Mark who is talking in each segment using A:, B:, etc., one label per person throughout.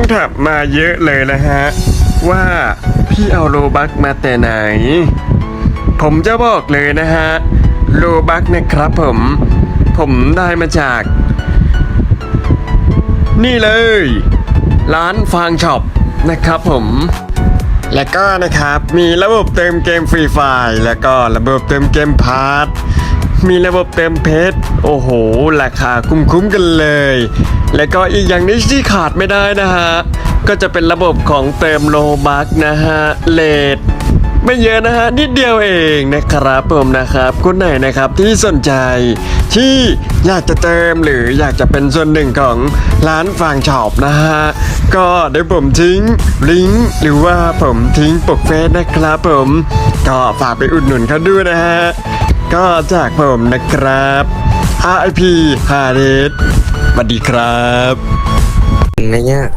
A: ถามมาเยอะเลยนะฮะว่าพี่เอาโลบักมาแต่ไหนผมจะบอกเลยนะฮะโลบักนะครับผมได้มาจากนี่เลยร้านฟางช็อปนะครับผมและก็นะครับมีระบบเติมเกมฟรีไฟล์แล้วก็ระบบเติมเกมพาร์ทมีระบบเติมเพชรโอ้โหราคาคุ้มกันเลยแล้วก็อีกอย่างนี้ที่ขาดไม่ได้นะฮะก็จะเป็นระบบของเติมโลบักนะฮะเลทไม่เยอะนะฮะนิดเดียวเองนะครับผมนะครับคนไหนนะครับที่สนใจที่อยากจะเติมหรืออยากจะเป็นส่วนหนึ่งของร้านฟางช็อปนะฮะก็เดี๋ยวผมทิ้งลิงก์หรือว่าผมทิ้งปกเฟซนะครับผมก็ฝากไปอุดหนุนเขาด้วยนะฮะก็จากผมนะครับ RIP ฮาเดสสวัสดีครับ
B: อะไรเงี้ย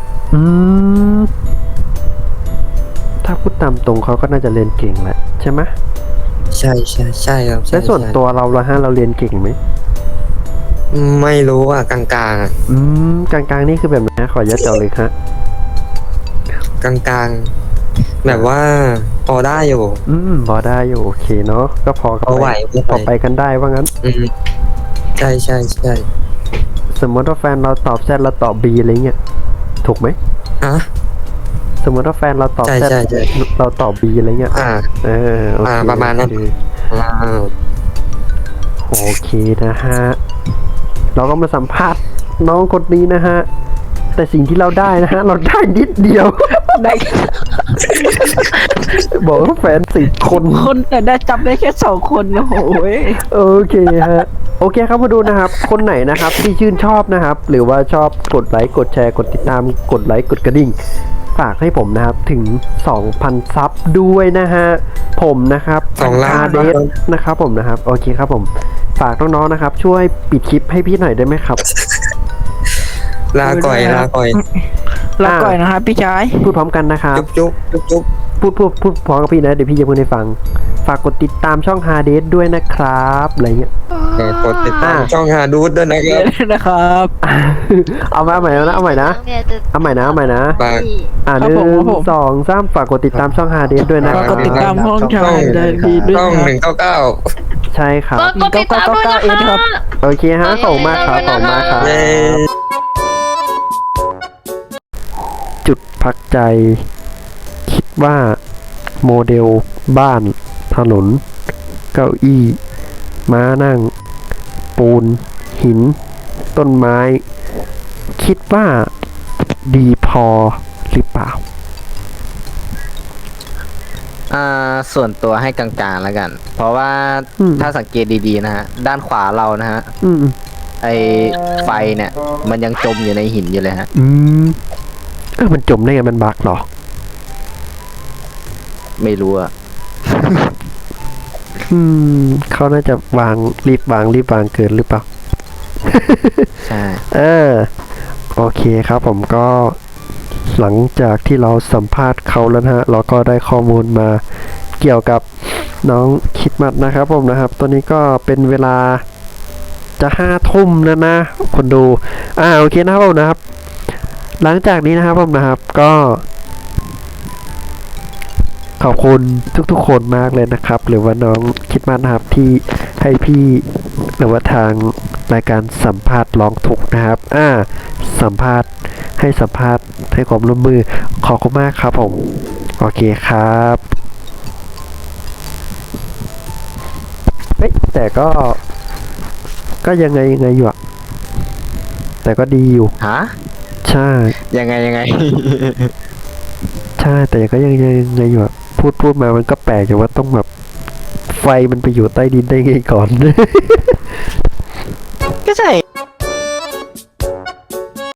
C: ถ้าพูดตามตรงเขาก็น่าจะเรียนเก่งแหละใช่ไหม
B: ใช่ครับ
C: และส่วนตัวเราละฮะเราเรียนเก่งไหม
B: ไม่รู้อ่ะกลางๆอ่ะ
C: กลางๆนี่คือแบบไหนขอยัดเจาะเลยครับ
B: กลางๆแบบว่าพอได้อยู่
C: พอได้อยู่โอเคเนาะก็พอ
B: ไหว
C: พอไปกันได้ว่างั้น
B: ใช่
C: สมมติว่าแฟนเราตอบแซดเราตอบบีอะไรเงี้ยถูกไหมสมมติว่าแฟนเราตอบแซดเราตอบบีอะไรเงี้ย
B: ประมาณนั้น
C: โอเคนะฮะเราก็มาสัมภาษณ์น้องคนนี้นะฮะแต่สิ่งที่เราได้นะฮะเราได้นิดเดียวได้บอกว่าแฟน10 คน
D: แต่ได้จับได้แค่2 คนนะโอ้ย
C: โอเคฮะโอเคครับมาดูนะครับคนไหนนะครับที่ชื่นชอบนะครับหรือว่าชอบกดไลค์กดแชร์กดติดตามกดไลค์กดกระดิ่งฝากให้ผมนะครับถึง 2,000 ซับด้วยนะฮะผมนะครับ
B: 2 ล้าน
C: เดสนะครับผมนะครับโอเคครับผมฝากน้องๆนะครับช่วยปิดคลิปให้พี่หน่อยได้ไหมครับ
B: ลาก่อย
D: นะครับพี่ชาย
C: พูดพร้อมกันนะครับ
B: จุ๊บ
C: พูดพร้อมกับพี่นะเดี๋ยวพี่จะพูดให้ฟังฝากกดติดตามช่องฮาเดสด้วยนะครับอะไรเงี้ย
B: กดติดตามช่องฮาดูดด้วย
D: นะครับ
C: เอาใหม่นะเอาใหม่นะ1 2 3ฝากกดติดตามช่องฮาเดสด้วยนะ
D: กดติดตามช่องฮาเดสด้วย
B: ช่อง
C: 199ใช่ครับ
D: 1999เองครับ
C: โอเคฮะส่งมาครับจุดพักใจคิดว่าโมเดลบ้านถนนเก้าอี้ม้านั่งปูนหินต้นไม้คิดว่าดีพอหรือเปล่า
E: ส่วนตัวให้กลางๆแล้วกันเพราะว่าถ้าสังเกตดีๆนะฮะด้านขวาเรานะฮะไอไฟเนี่ยมันยังจมอยู่ในหินอยู่เลยฮะ
C: มันจมได้ไงมันบักเหรอ
E: ไม่รู้อะ
C: เขาน่าจะรีบวางเกินหรือเปล่า
E: ใช่
C: โอเคครับผมก็หลังจากที่เราสัมภาษณ์เขาแล้วนะฮะเราก็ได้ข้อมูลมาเกี่ยวกับน้องคิดมัดนะครับผมนะครับตอนนี้ก็เป็นเวลาจะ5 ทุ่มแล้วนะคนดูโอเคนะครับผมนะครับหลังจากนี้นะครับผมนะครับก็ขอบคุณทุกๆคนมากเลยนะครับหรือว่าน้องคิดมัดนะครับที่ให้พี่หรือว่าทางรายการสัมภาษณ์ร้องทุกข์นะครับสัมภาษณ์ให้ความร่วมมือขอบคุณมากครับผมโอเคครับแต่ก็ยังไงอยู่อะแต่ก็ดีอยู่ใช่
E: ยังไง
C: ใช่แต่ก็ยังไงอยู่อะพูดมามันก็แปลกอยู่ว่าต้องแบบไฟมันไปอยู่ใต้ดินได้ไงก่อน
D: ก็ใช่